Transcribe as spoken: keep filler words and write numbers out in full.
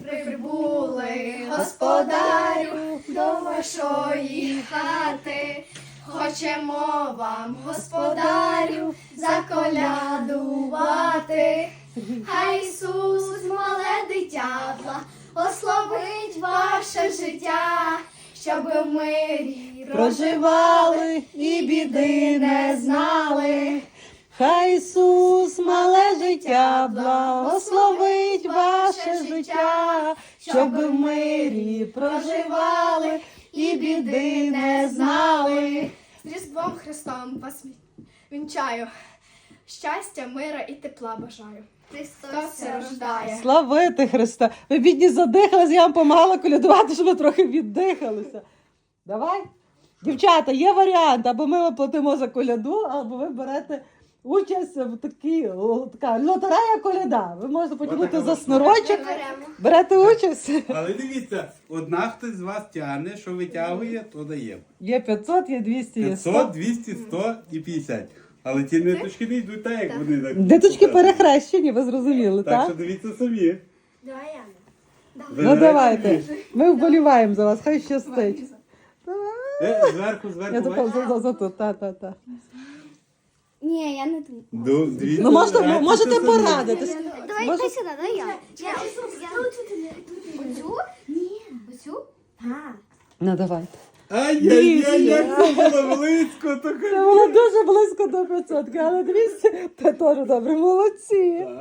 прибули, господарю, до вашої хати. Хочемо вам, господарю, заколядувати. Хай Ісус, мале дитятла, ославить ваше життя, щоб в мирі Проживали і біди не знали. Хай Ісус, мале життя, благословить ваше життя, щоб ви в мирі проживали і біди не знали. З Різдвом Христом вас вінчаю. Щастя, мира і тепла бажаю. Христос се рождає. Славити Христа! Ви, бідні, задихались, я вам помагала колядувати, щоб ви трохи віддихалися. Давай. Дівчата, є варіант, або ми вам платимо за коляду, або ви берете участь в такій, о, така лотерея коляда. Ви можете потягнути за снурочок, берете участь. Але дивіться, одна хтось з вас тягне, що витягує, то дає. Є п'ятсот, є двісті, є сто. п'ятсот, двісті, сто і п'ятдесят. Але ті ниточки не йдуть так, як вони так. Диточки перехрещені, ви зрозуміли, Так так? що дивіться самі. Давай, Яна. Ну давайте, ми вболіваємо за вас, хай щастить. Е, Зверху, Я зверху. за, бачиш? за, за, за тут, та, та, та. Ні, я не думаю. Ну, дивіться, Ну можете, бачите можете самі. порадитись. Давай, Може- дай сюди, дай я. Я оцю? Ні. Оцю? Так. Ну давайте. Ай-яй-яй, як це було близько, то Це було дуже близько до п'ятсот, але двісті, це теж добре, молодці.